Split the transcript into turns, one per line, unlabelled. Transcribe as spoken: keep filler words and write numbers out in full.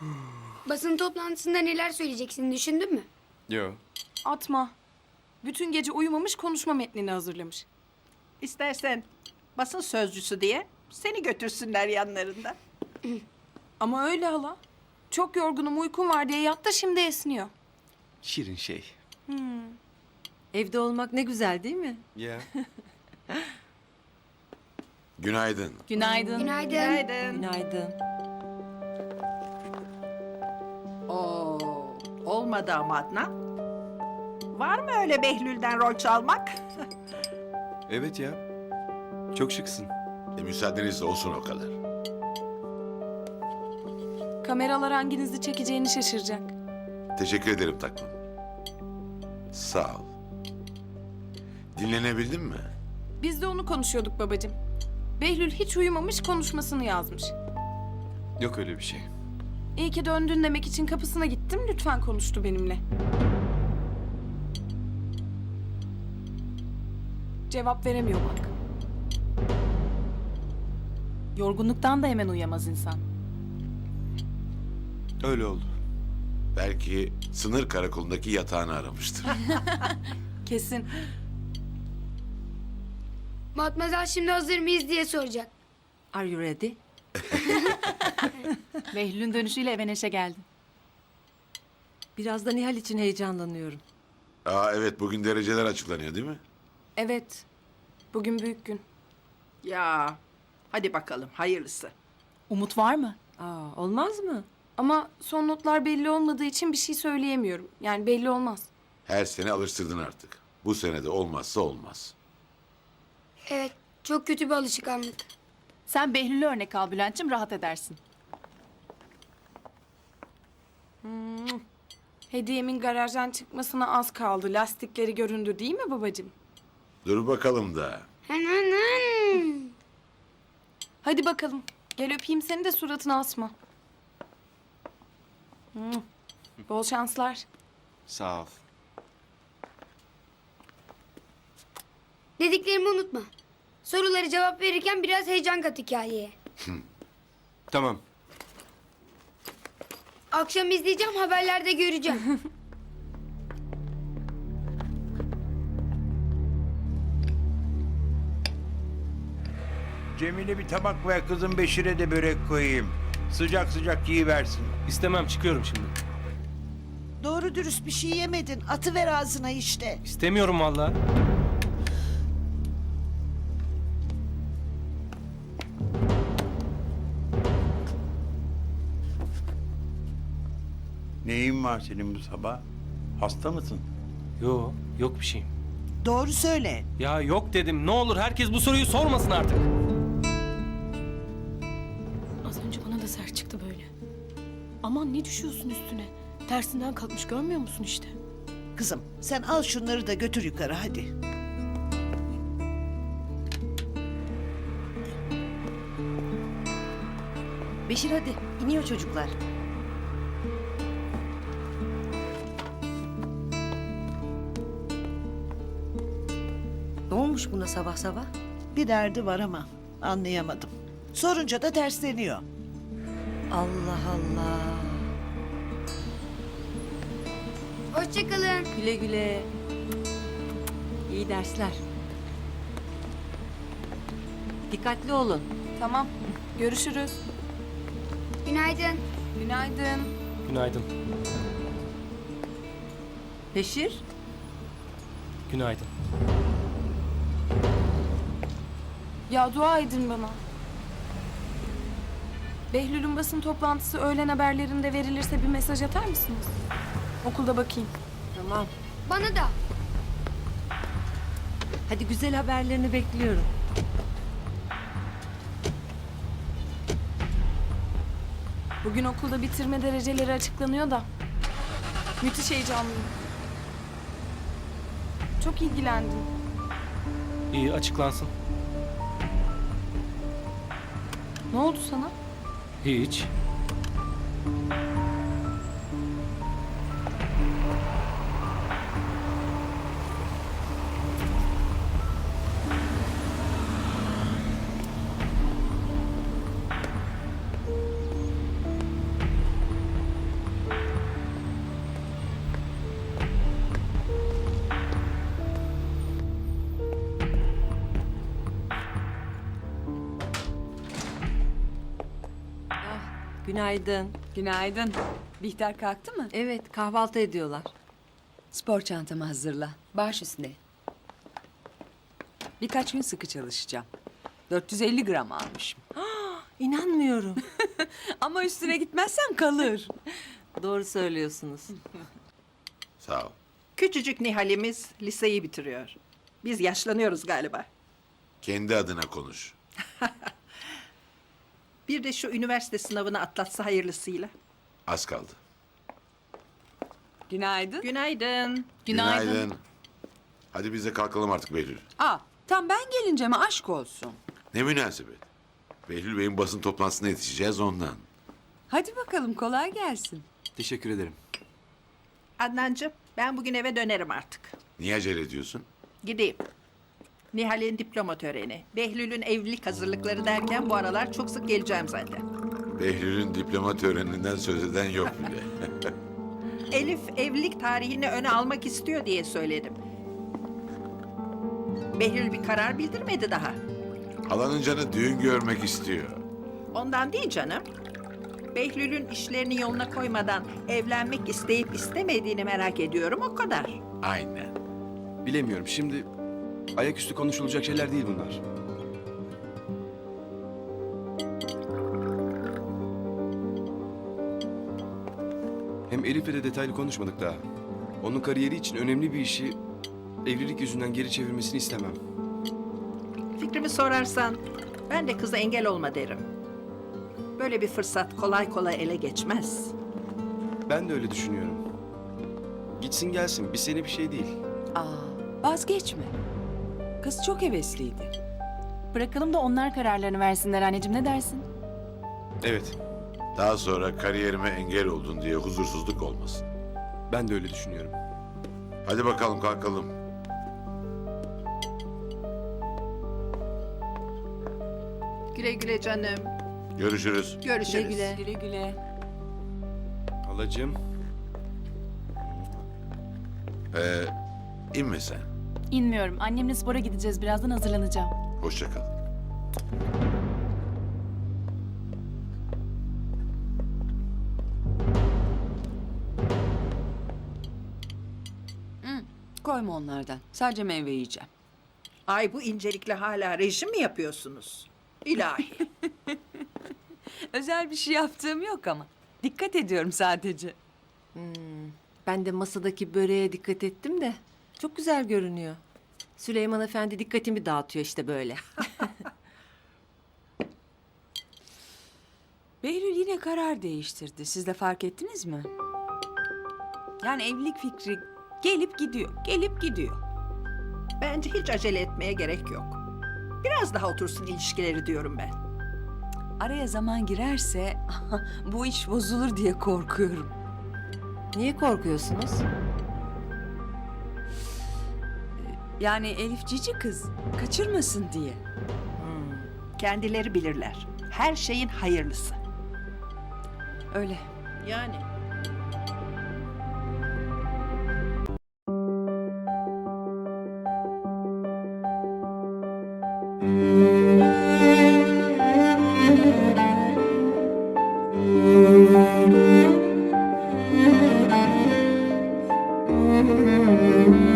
Basın toplantısında neler söyleyeceksin düşündün mü?
Yo.
Atma. Bütün gece uyumamış konuşma metnini hazırlamış.
İstersen basın sözcüsü diye seni götürsünler yanlarında.
Ama öyle hala. Çok yorgunum uykum var diye yattı şimdi esniyor.
Şirin şey.
Evde olmak ne güzel değil mi?
Ya.
Günaydın.
Günaydın.
Günaydın.
Günaydın.
Günaydın.
Oo, olmadı ama Adnan. Var mı öyle Behlül'den rol çalmak?
Evet ya. Çok şıksın.
E, müsaadenizle olsun o kadar.
Kameralar hanginizi çekeceğini şaşıracak.
Teşekkür ederim taklım. Sağ ol. Dinlenebildin mi?
Biz de onu konuşuyorduk babacığım. Behlül hiç uyumamış konuşmasını yazmış.
Yok öyle bir şey.
İyi ki döndün demek için kapısına gittim. Lütfen konuştu benimle. Cevap veremiyor bak. Yorgunluktan da hemen uyuyamaz insan.
Öyle oldu.
Belki sınır karakolundaki yatağını aramıştır.
Kesin.
Matmazel şimdi hazır mıyız diye soracak.
Are you ready?
Behlül'ün dönüşüyle eve neşe geldin.
Biraz da Nihal için heyecanlanıyorum.
Aa evet, bugün dereceler açıklanıyor değil mi?
Evet. Bugün büyük gün.
Ya hadi bakalım hayırlısı.
Umut var mı?
Aa, olmaz mı?
Ama son notlar belli olmadığı için bir şey söyleyemiyorum. Yani belli olmaz.
Her sene alıştırdın artık. Bu sene de olmazsa olmaz.
Evet, çok kötü bir alışkanlık.
Sen Behlül'ü örnek al Bülent'cim, rahat edersin.
Hediyemin garajdan çıkmasına az kaldı. Lastikleri göründü değil mi babacığım?
Dur bakalım da.
Hınhınhın.
Hadi bakalım. Gel öpeyim seni de suratına asma. Hmm. Bol şanslar.
Sağ ol.
Dediklerimi unutma. Soruları cevap verirken biraz heyecan kat hikayeye.
Tamam.
Akşam izleyeceğim, haberlerde göreceğim.
Cemile bir tabak ver kızım, Beşir'e de börek koyayım. Sıcak sıcak yiyiversin.
İstemem, çıkıyorum şimdi.
Doğru dürüst bir şey yemedin. Atıver ağzına işte.
İstemiyorum vallahi.
Neyin var senin bu sabah? Hasta mısın?
Yo, yok bir şeyim.
Doğru söyle.
Ya yok dedim. Ne olur herkes bu soruyu sormasın artık.
Az önce bana da sert çıktı böyle. Aman ne düşüyorsun üstüne? Tersinden kalkmış görmüyor musun işte?
Kızım sen al şunları da götür yukarı hadi.
Beşir hadi. İniyor çocuklar. Ne olmuş buna sabah sabah?
Bir derdi var ama anlayamadım. Sorunca da tersleniyor.
Allah Allah.
Hoşçakalın.
Güle güle. İyi dersler. Dikkatli olun.
Tamam. Görüşürüz.
Günaydın.
Günaydın.
Günaydın.
Beşir.
Günaydın.
Ya dua edin bana. Behlül'ün basın toplantısı öğlen haberlerinde verilirse bir mesaj atar mısınız? Okulda bakayım.
Tamam.
Bana da.
Hadi güzel haberlerini bekliyorum.
Bugün okulda bitirme dereceleri açıklanıyor da. Müthiş heyecanlıyım. Çok ilgilendim.
İyi, açıklansın.
Ne oldu sana?
Hiç.
Günaydın.
Günaydın. Bihter kalktı mı?
Evet, kahvaltı ediyorlar.
Spor çantamı hazırla. Baş üstüne. Birkaç gün sıkı çalışacağım. dört yüz elli gram almışım.
İnanmıyorum.
Ama üstüne gitmezsem kalır.
Doğru söylüyorsunuz.
Sağ ol.
Küçücük Nihal'imiz liseyi bitiriyor. Biz yaşlanıyoruz galiba.
Kendi adına konuş.
Bir de şu üniversite sınavını atlatsa hayırlısıyla.
Az kaldı.
Günaydın.
Günaydın.
Günaydın.
Hadi biz de kalkalım artık Behlül.
Aa, tam ben gelince mi aşk olsun?
Ne münasebet. Behlül Bey'in basın toplantısına yetişeceğiz ondan.
Hadi bakalım kolay gelsin.
Teşekkür ederim.
Adnancığım, ben bugün eve dönerim artık.
Niye acele ediyorsun?
Gideyim. Nihal'in diploma töreni, Behlül'ün evlilik hazırlıkları derken bu aralar çok sık geleceğim zaten.
Behlül'ün diploma töreninden söz eden yok bile.
Elif evlilik tarihini öne almak istiyor diye söyledim. Behlül bir karar bildirmedi daha.
Halanın canı düğün görmek istiyor.
Ondan değil canım. Behlül'ün işlerini yoluna koymadan evlenmek isteyip istemediğini merak ediyorum, o kadar.
Aynen.
Bilemiyorum. Şimdi ayaküstü konuşulacak şeyler değil bunlar. Hem Elif'le de detaylı konuşmadık daha. Onun kariyeri için önemli bir işi evlilik yüzünden geri çevirmesini istemem.
Fikrimi sorarsan ben de kıza engel olma derim. Böyle bir fırsat kolay kolay ele geçmez.
Ben de öyle düşünüyorum. Gitsin gelsin. Bir sene bir şey değil.
Aa, vazgeçme. Kız çok hevesliydi.
Bırakalım da onlar kararlarını versinler anneciğim, ne dersin?
Evet.
Daha sonra kariyerime engel oldun diye huzursuzluk olmasın.
Ben de öyle düşünüyorum.
Hadi bakalım kalkalım.
Güle güle canım.
Görüşürüz.
Görüşürüz.
Güle güle. Güle güle.
Halacığım.
Ee, inme sen.
İnmiyorum. Annemle spora gideceğiz. Birazdan hazırlanacağım.
Hoşça kal.
Koyma onlardan. Sadece meyve yiyeceğim.
Ay bu incelikle hala rejim mi yapıyorsunuz? İlahi.
Özel bir şey yaptığım yok ama. Dikkat ediyorum sadece.
Ben de masadaki böreğe dikkat ettim de çok güzel görünüyor. Süleyman Efendi dikkatimi dağıtıyor işte böyle.
Behlül yine karar değiştirdi. Siz de fark ettiniz mi? Yani evlilik fikri gelip gidiyor, gelip gidiyor.
Bence hiç acele etmeye gerek yok. Biraz daha otursun ilişkileri diyorum ben.
Araya zaman girerse bu iş bozulur diye korkuyorum.
Niye korkuyorsunuz?
Yani Elif cici kız, kaçırmasın diye.
Kendileri bilirler. Her şeyin hayırlısı.
Öyle.
Yani.
Müzik